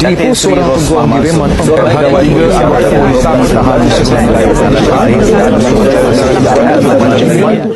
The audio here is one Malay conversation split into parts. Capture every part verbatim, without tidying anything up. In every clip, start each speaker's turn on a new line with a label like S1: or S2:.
S1: Dipu seorang peguam diriman terhadap tiga anggota polis ditahan di sebelah wilayah lain dan dilakukan.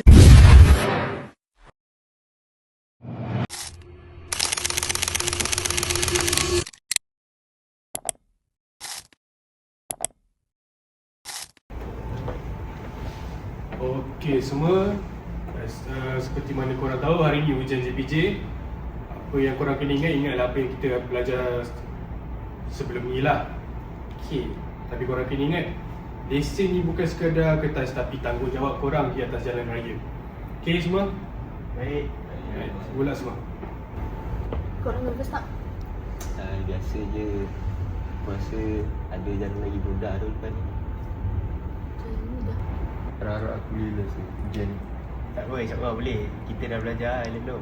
S2: Okey semua, uh, seperti mana korang tahu hari ni ujian J P J. Apa yang korang kena ingat, ingatlah apa yang kita belajar sebelum ni lah. Okey, tapi korang kena ingat, lesen ni bukan sekadar kertas tapi tanggungjawab korang di atas jalan raya. Okey semua?
S3: Baik.
S2: Baik, bola semua.
S4: Korang nervous tak?
S3: Uh, biasa je. Aku rasa ada jalan lagi mudah tu depan ni.
S4: Jalan mudah.
S5: Harap-harap aku boleh lulus ni, ujian ni.
S3: Tak apa, insyaAllah boleh. Kita dah belajar Island tu.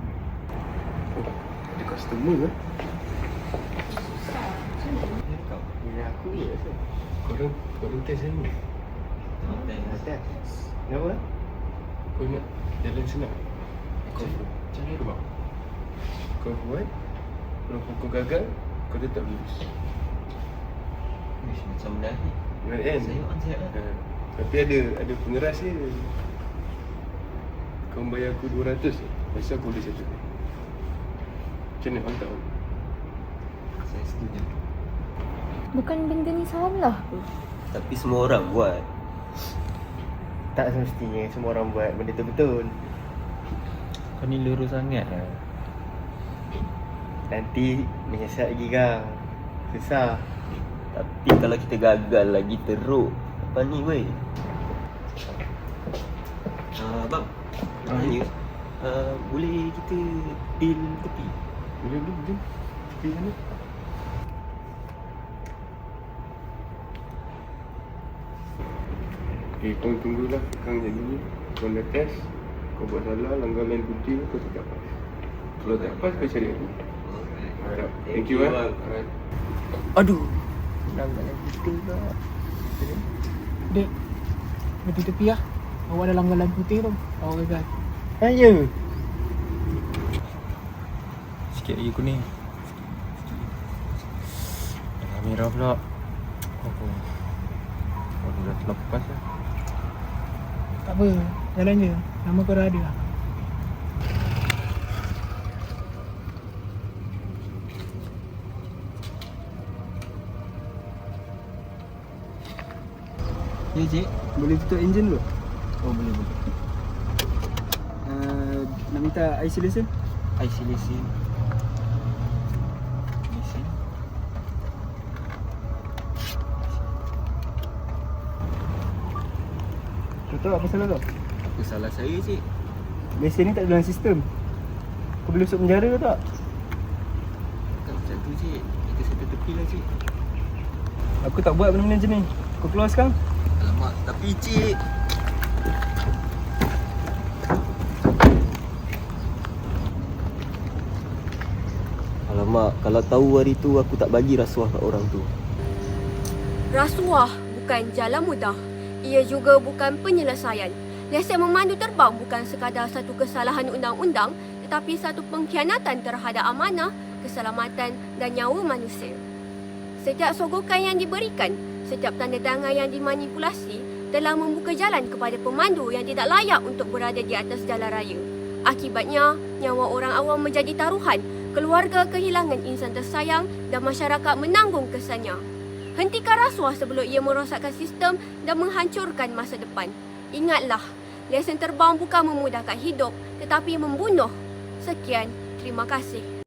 S5: Ada customer ke?
S4: Susah. Macam mana?
S3: Kau ni aku je rasa.
S2: Korang, korang test hari ni.
S3: Atas. Kenapa?
S2: Kau ingat jalan senang? Kau cara tu bang.
S5: Kau buat, kalau kau gagal, kau tetap lulus.
S3: Wish, macam dah ni.
S5: Ingat kan?
S3: Saya on saya lah.
S5: Ha. Tapi ada ada pengeras dia. Kau bayar aku dua ratus je, pasal aku boleh settle. Macam mana kau tahu?
S3: Saya setuju.
S4: Bukan benda ni salah ke?
S3: Tapi semua orang buat. Tak semestinya semua orang buat benda tu betul.
S6: Kau ni lurus sangat lah.
S3: Nanti menyesal lagi kang. Susah. Tapi kalau kita gagal lagi teruk, apa ni weh? Uh, bang,
S5: Ah,
S3: tanya, uh, boleh kita deal tepi?
S5: Boleh boleh boleh. Tapi mana? Okay, kau tunggulah Kang jadi ni. Kau nak test, kau buat salah, langgar line putih, kau tak pas. Kalau tak pas, kau cari aku. Alright. Thank you eh.
S3: bang.
S5: Alright.
S6: Aduh, langgar yang putih pula.
S7: Dek, berhenti tepi lah. Awak ada langgaran putih tu. Awak gagal.
S6: Ha, ya. Sikit lagi kuning. Dah merah pula. Oh, oh dah terlepas lah.
S7: Tak apa, jalan je. Nama kau dah ada lah.
S6: Ya, cik.
S8: Boleh tutup enjin dulu?
S6: Oh, boleh, boleh.
S8: Uh, nak minta I C lesen?
S6: I C lesen. Lesen.
S8: Kau tahu apa salah kau?
S3: Apa salah saya cik?
S8: Lesen ni tak ada dalam sistem. Kau boleh masuk penjara ke tak?
S3: Tak macam tu cik. Kita settle tepi lah cik.
S8: Aku tak buat benda-benda macam ni. Kau keluar sekarang?
S3: Alamak, tapi cik. Alamak, kalau tahu hari tu aku tak bagi rasuah kat orang tu.
S4: Rasuah bukan jalan mudah. Ia juga bukan penyelesaian. Lesen memandu terbang bukan sekadar satu kesalahan undang-undang, tetapi satu pengkhianatan terhadap amanah, keselamatan dan nyawa manusia. Setiap sogokan yang diberikan, setiap tanda tangan yang dimanipulasi telah membuka jalan kepada pemandu yang tidak layak untuk berada di atas jalan raya. Akibatnya, nyawa orang awam menjadi taruhan, keluarga kehilangan insan tersayang dan masyarakat menanggung kesannya. Hentikan rasuah sebelum ia merosakkan sistem dan menghancurkan masa depan. Ingatlah, lesen terbang bukan memudahkan hidup tetapi membunuh. Sekian, terima kasih.